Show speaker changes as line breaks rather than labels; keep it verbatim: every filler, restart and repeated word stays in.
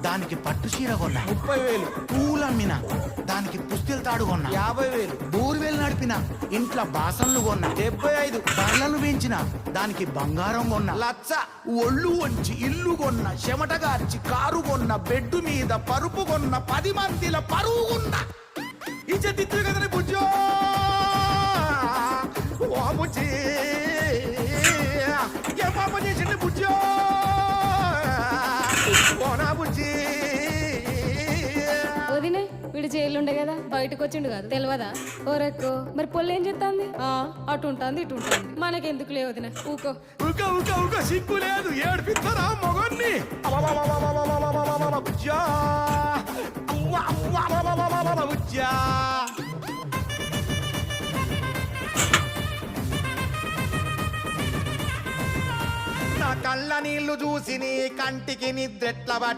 దానికి పట్టు చీర కొన్నా.
ముప్పై వేలు.
పూలు అమ్మిన దానికి పుస్తెలు తాడు కొన్నా.
యాభై వేలు.
బోర్వేలు నడిపిన ఇంట్లో బాసన్లు కొన్నా.
డెబ్బై ఐదు.
బర్లను పెంచిన దానికి బంగారం కొన్నా.
లచ్చ.
ఒళ్ళు వంచి ఇల్లు కొన్న, చెమటగార్చి కారు కొన్న, బెడ్ మీద పరుపు కొన్న, పది మందిల పరువు కొన్న. ఇచ్చతిత్తు కదని బుజ్జో ఓ బుజ్జి ఏ పాప చేసింది బుజ్జో ఓనా బుజ్జి.
వదినే వీడు జైలుండే కదా బయటకు వచ్చిండు కదా తెలియదా? ఓరెక్కో మరి పొల్లు ఏం చెప్తాంది? ఆ అటు ఉంటుంది ఇటు ఉంటుంది మనకెందుకు లే వదిన ఊకో.
ఉక ఉక ఉక సిగ్గు లేదు ఏడిపిస్తారా మొగన్ని. బుజ్జా బుజ్జా నా కళ్ళ నీళ్లు చూసి నీ కంటికి నిద్రెట్ల